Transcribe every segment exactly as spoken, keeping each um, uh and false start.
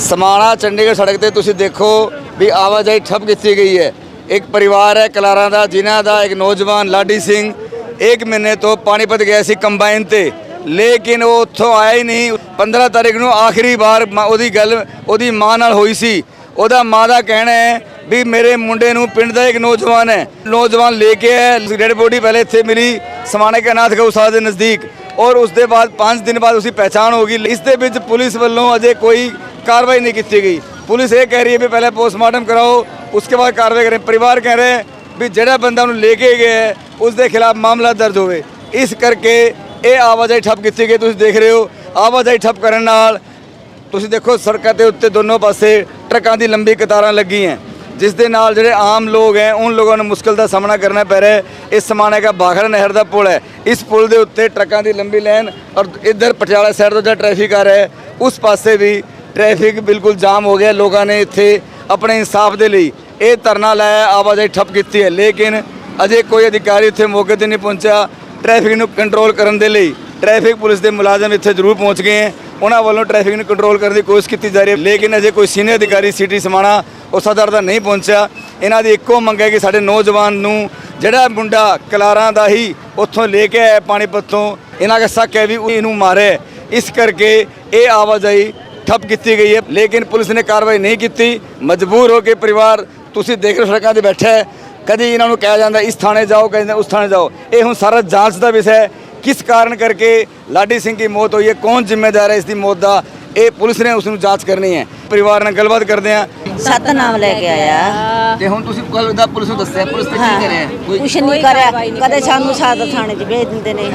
समाणा चंडीगढ़ सड़क ते तुसीं देखो भी आवाजाही ठप की गई है। एक परिवार है कलारा दा जिन्हां दा एक नौजवान लाडी सिंह एक महीने तो पानीपत गया सी कंबाइन ते, लेकिन वो उत्थों आया ही नहीं। पंद्रह तारीख नूं आखिरी बार ओदी गल ओदी मां नाल होई सी। ओदा मां दा कहना है भी मेरे मुंडे नूं पिंड दा एक नौजवान है नौजवान लेके आया, डेड बॉडी पहले इत्थे मिली समाणे के अनाथ गौशाला के नज़दीक, और उसके बाद पाँच दिन बाद उसकी पहचान होगी। इस दे विच पुलिस वालों अजे कोई कार्रवाई नहीं की गई। पुलिस ये कह रही है भी पहले पोस्टमार्टम कराओ उसके बाद कार्रवाई करें। परिवार कह रहे हैं भी जिहड़ा बंदा उन्हें लेके गया है उसके खिलाफ मामला दर्ज होवे। इस करके ये आवाजाही ठप की गई। तुसीं देख रहे हो आवाजाही ठप करन नाल तुसीं देखो सड़कों के उत्ते दोनों पासे ट्रकों की लंबी कतारां लगी हैं, जिस दे नाल जिहड़े आम लोग हैं उन लोगों ने मुश्किल का सामना करना पै रहा है। इस समाने का भाखड़ा नहर का पुल है, इस पुल के उत्ते ट्रकों की लंबी लाइन, और इधर पटियाला साइड तो जो ट्रैफिक आ रहा है उस पासे भी ट्रैफिक बिल्कुल जाम हो गया। लोगों ने इत्थे अपने इंसाफ के लिए ये धरना लाया, आवाजाही ठप की है, लेकिन अजे कोई अधिकारी इत्थे मौके पर नहीं पहुंचा। ट्रैफिक को कंट्रोल करने के लिए ट्रैफिक पुलिस के मुलाजम इत्थे जरूर पहुँच गए हैं, उन्होंने वालों ट्रैफिक को कंट्रोल करने की कोशिश की जा रही है, लेकिन अजे कोई सीनियर अधिकारी सिटी समाणा औसादार का नहीं पहुंचा। इन्हों की एको मंग है कि साडे नौजवान नूं जिहड़ा मुंडा कलारा दा ही उत्थों लेके आया पानीपत तो, इन्हों का शक है भी इनू मारे। इस करके ये आवाजाही ठप की गई है, लेकिन पुलिस ने कार्रवाई नहीं की। मजबूर हो के परिवार तुसीं देख रहे सड़कों पर बैठा है, कभी इन्होंने कहा जाता इस थाने जाओ, कहते उस थाने जाओ। ये हुण सारा जांच का विषय है, किस कारण करके लाडी सिंह की मौत हुई है, कौन जिम्मेदार है इसकी मौत का, ये पुलिस ने उसनूं जांच करनी है। परिवार ने गलबात करते हैं। सतनाम लेके आया ते हुण तुसीं कल दा पुलिस नूं दस्सिआ, पुलिस ते की करे कोई कुछ नहीं करिया। कदे सानू सादा थाने च भेज दिंदे ने,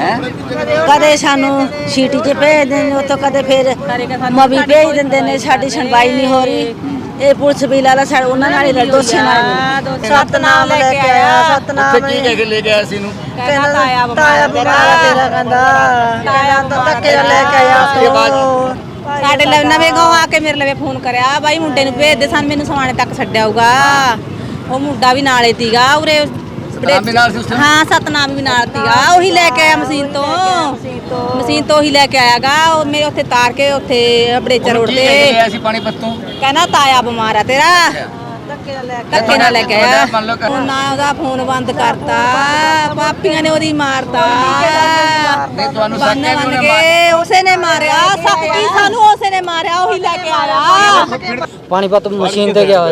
कदे सानू सीटी च भेज दिंदे ने, उत्थों कदे फिर मवी भेज दिंदे ने। साडी सुनवाई नहीं हो रही। ਇਹ ਪੁਲਿਸ ਵੀ ਲਾਲਾ ਸਾਡੇ ਉਹਨਾਂ ਨਾਲ ਹੀ ਦੋਸ਼ੀ ਨਾਲ ਸਤਨਾਮ ਲੈ ਕੇ ਆਇਆ। ਸਤਨਾਮ ਕੀ ਕਹਿ ਕੇ ਲੈ ਕੇ ਆਇਆ ਸੀ ਇਹਨੂੰ? ਕਹਿੰਦਾ ਤਾਇਆ ਤਾਇਆ ਬਿਮਾਰ ਤੇਰਾ ਕਹਿੰਦਾ ਤਾਇਆ ਤਾਂ ਧੱਕੇ ਨਾਲ ਲੈ ਕੇ ਆਇਆ। ਸਾਡੇ ਲਈ ਨਵੇਂ ਗਾਉਂ ਆ ਕੇ ਮੇਰੇ ਲਈ ਫੋਨ ਕਰਿਆ, ਬਾਈ ਮੁੰਡੇ ਨੂੰ ਭੇਜ ਦੇ, ਸਾਨੂੰ ਮੈਨੂੰ ਸਮਾਣੇ ਤੱਕ ਛੱਡਿਆਊਗਾ। ਉਹ ਮੁੰਡਾ ਵੀ ਨਾਲੇ ਤੀਗਾ ਉਰੇ, ਸਤਨਾਮ ਵੀ ਨਾਲ ਸੀ ਉਸ ਟਾਈਮ? ਹਾਂ ਸਤਨਾਮ ਵੀ ਨਾਲ ਤੀਗਾ। ਉਹੀ ਲੈ ਕੇ ਆਇਆ ਮਸ਼ੀਨ ਤੋਂ, ਮਸ਼ੀਨ ਤੋਂ ਉਹੀ ਲੈ ਕੇ ਆਇਆਗਾ। ਉਹ ਮੇਰੇ ਉੱਥੇ ਤਾਰ ਕੇ ਉੱਥੇ ਬੜੇਚਾ ਰੋਡ ਤੇ ਆਇਆ ਸੀ ਪਾਣੀਪਤ ਤੋਂ, ਕਹਿੰਦਾ ਤਾਇਆ ਬਿਮਾਰ ਆ ਤੇਰਾ, ਧੱਕੇ ਨਾਲ ਲੈ ਕੇ ਆਇਆ। ਨਾ ਉਹਦਾ ਫੋਨ ਬੰਦ ਕਰਤਾ, ਪਾਪੀਆਂ ਨੇ ਉਹਦੀ ਮਾਰਤਾ, ਤੁਹਾਨੂੰ ਬੰਨ ਬੰਨ ਕੇ ਉਸੇ ਨੇ ਮਾਰਿਆ। ਸੱਚੀ ਸਾਨੂੰ ਉਸੇ ਨੇ ਮਾਰਿਆ, ਉਹੀ ਲੈ ਕੇ ਆਇਆ। पानीपत मशीन ते गया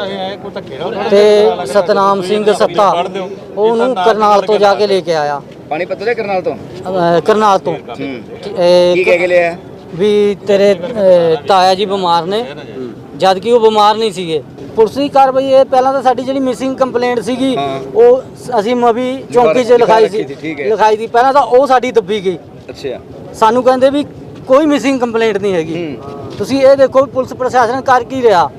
ते सतनाम सिंह सत्ता ਉਹਨੂੰ ਕਰਨਾਲ ਤੋਂ ਜਾ ਕੇ ਲੈ ਕੇ ਆਇਆ। ਪਾਣੀਪਤ ਦੇ ਕਰਨਾਲ ਤੋਂ? ਕਰਨਾਲ ਤੋਂ। ਕੀ ਕਹਿ ਕੇ ਲਿਆ ਵੀ ਤੇਰੇ ਤਾਇਆ ਜੀ ਬਿਮਾਰ ਨੇ, ਜਦ ਕਿ ਉਹ ਬਿਮਾਰ ਨਹੀਂ ਸੀਗੇ। ਪੁਲਿਸ ਦੀ ਕਾਰਵਾਈ ਇਹ ਪਹਿਲਾਂ ਤਾਂ ਸਾਡੀ ਜਿਹੜੀ ਮਿਸਿੰਗ ਕੰਪਲੇਂਟ ਸੀਗੀ ਉਹ ਅਸੀਂ ਮਵੀ ਚੌਂਕੀ 'ਚ ਲਿਖਾਈ ਸੀ ਲਿਖਾਈ ਸੀ ਪਹਿਲਾਂ ਤਾਂ ਉਹ ਸਾਡੀ ਦੱਬੀ ਗਈ। ਅੱਛਾ, ਸਾਨੂੰ ਕਹਿੰਦੇ ਵੀ ਕੋਈ ਮਿਸਿੰਗ ਕੰਪਲੇਂਟ ਨਹੀਂ ਹੈਗੀ। ਤੁਸੀਂ ਇਹ ਦੇਖੋ ਪੁਲਿਸ ਪ੍ਰਸ਼ਾਸਨ ਕਰ ਕੀ ਰਿਹਾ।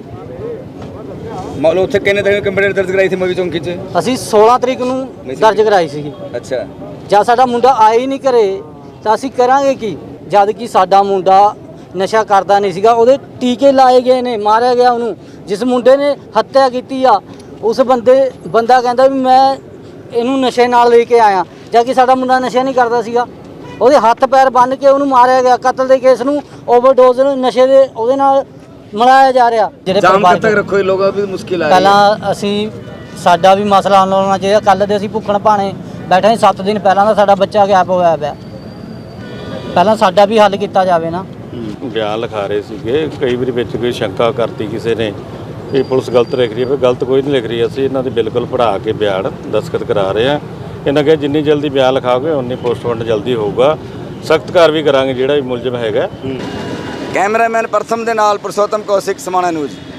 ਮਾਲੋ ਉੱਥੇ ਕਿੰਨੇ ਦਿਨ ਕੰਪਲੇਂਟ ਦਰਜ ਕਰਾਈ ਸੀ ਮਵੀ ਚੌਂਕੀ 'ਚ? ਅਸੀਂ ਸੋਲਾਂ ਤਰੀਕ ਨੂੰ ਦਰਜ ਕਰਾਈ ਸੀਗੀ। ਅੱਛਾ, ਜਦ ਸਾਡਾ ਮੁੰਡਾ ਆਇਆ ਹੀ ਨਹੀਂ ਘਰੇ ਤਾਂ ਅਸੀਂ ਕਰਾਂਗੇ ਕੀ, ਜਦ ਕਿ ਸਾਡਾ ਮੁੰਡਾ ਨਸ਼ਾ ਕਰਦਾ ਨਹੀਂ ਸੀਗਾ। ਉਹਦੇ ਟੀਕੇ ਲਾਏ ਗਏ ਨੇ, ਮਾਰਿਆ ਗਿਆ ਉਹਨੂੰ। ਜਿਸ ਮੁੰਡੇ ਨੇ ਹੱਤਿਆ ਕੀਤੀ ਆ ਉਸ ਬੰਦੇ ਬੰਦਾ ਕਹਿੰਦਾ ਵੀ ਮੈਂ ਇਹਨੂੰ ਨਸ਼ੇ ਨਾਲ ਲੈ ਕੇ ਆਇਆ, ਜਦ ਕਿ ਸਾਡਾ ਮੁੰਡਾ ਨਸ਼ਾ ਨਹੀਂ ਕਰਦਾ ਸੀਗਾ। ਉਹਦੇ ਹੱਥ ਪੈਰ ਬੰਨ੍ਹ ਕੇ ਉਹਨੂੰ ਮਾਰਿਆ ਗਿਆ। ਕਤਲ ਦੇ ਕੇਸ ਨੂੰ ਓਵਰਡੋਜ਼ ਨਸ਼ੇ ਦੇ ਉਹਦੇ ਨਾਲ ਮਿਲਾਇਆ ਜਾ ਰਿਹਾ। ਜਿਹੜੇ ਜਾਮ ਕਦ ਤੱਕ ਰੱਖੋ, ਲੋਕਾਂ ਦੀ ਮੁਸ਼ਕਿਲ ਆ। ਪਹਿਲਾਂ ਅਸੀਂ ਸਾਡਾ ਵੀ ਮਸਲਾ ਹੱਲ ਹੋਣਾ ਚਾਹੀਦਾ। ਕੱਲ੍ਹ ਦੇ ਅਸੀਂ ਭੁੱਖਣ ਭਾਣੇ ਬੈਠੇ ਸੱਤ ਦਿਨ ਪਹਿਲਾਂ ਦਾ ਸਾਡਾ ਬੱਚਾ ਗੈਪ ਹੋਇਆ ਪਿਆ, ਪਹਿਲਾਂ ਸਾਡਾ ਵੀ ਹੱਲ ਕੀਤਾ ਜਾਵੇ ਨਾ। ਬਿਆਨ ਲਿਖਾ ਰਹੇ ਸੀਗੇ, ਕਈ ਵਾਰੀ ਵਿੱਚ ਕੋਈ ਸ਼ੰਕਾ ਕਰਤੀ ਕਿਸੇ ਨੇ ਕਿ ਪੁਲਿਸ ਗਲਤ ਲਿਖ ਰਹੀ ਹੈ, ਪਰ ਗਲਤ ਕੋਈ ਨਹੀਂ ਲਿਖ ਰਹੀ। ਅਸੀਂ ਇਹਨਾਂ ਦੇ ਬਿਲਕੁਲ ਪੜ੍ਹਾ ਕੇ ਬਿਆਨ ਦਸਤਖਤ ਕਰਾ ਰਹੇ ਹਾਂ। ਇਹਨਾਂ ਕਿ ਜਿੰਨੀ ਜਲਦੀ ਬਿਆਨ ਲਿਖਾਓਗੇ ਉਨੀ ਪੋਸਟਮਾਰਟਮ ਜਲਦੀ ਹੋਊਗਾ। ਸਖਤ ਕਾਰਵਾਈ ਕਰਾਂਗੇ ਜਿਹੜਾ ਵੀ ਮੁਲਜ਼ਮ ਹੈਗਾ। ਕੈਮਰਾਮੈਨ ਪ੍ਰਥਮ ਦੇ ਨਾਲ ਪੁਰਸ਼ੋਤਮ ਕੌਸ਼ਿਕ, ਸਮਾਣਾ ਨਿਊਜ਼।